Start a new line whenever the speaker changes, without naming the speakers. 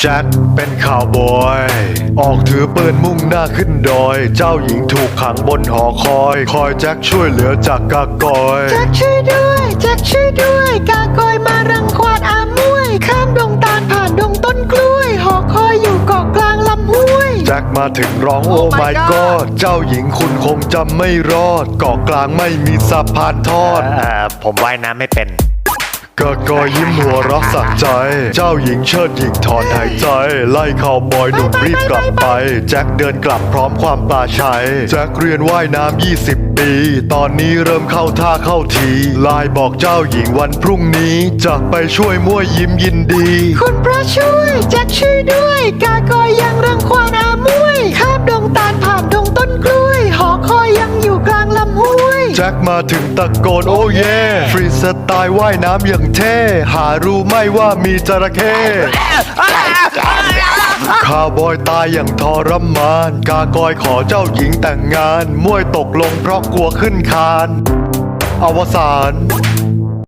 แจ็คเป็นข่าวบอยออกถือปืนมุ่งหน้าขึ้นดอยเจ้าหญิงถูกขังบนหอคอยแจ็คช่วยเหลือจากกากอย
แจ็คช่วยด้วยแจ็คช่วยด้วยกากอยมารังควานอามวยข้ามดงตาลผ่านดงต้นกล้วยหอคอยอยู่เกาะกลางลำห้วย
แจ็คมาถึงร้องโอ้ my god เจ้าหญิงคุณคงจำไม่รอดเกาะกลางไม่มีสะพานทอด
ผมว่ายน้ำไม่เป็น
กากอยยิ้มหัวเรักสักใจเจ้าหญิงเชิดหญิงถอนหายใจไล่ข่าวบอยหนุ่มรีบกลับไปแจ็คเดินกลับพร้อมความปลาชัยแจ็คเรียนว่ายน้ำ20 ปีตอนนี้เริ่มเข้าท่าเข้าทีไลน์บอกเจ้าหญิงวันพรุ่งนี้จะไปช่วยมั่วยิ้มยินดี
คุณพระช่วยแจ็คช่วยด้วยกากอยยังรังควานอามวยข้ามดงตาลผ่านดงต้นกล้วยหอคอยยังอยู่กลางลำห้วย
แจ็คมาถึงตะโกนโอ้เย่ฟรีสไตล์ว่ายน้ำอย่างเท่หารู้ไหม่ว่ามีจระเข้ข้าวบอยตายอย่างทรมานกากอยขอเจ้าหญิงแต่งงานมวยตกลงเพราะกลัวขึ้นคานอวสาน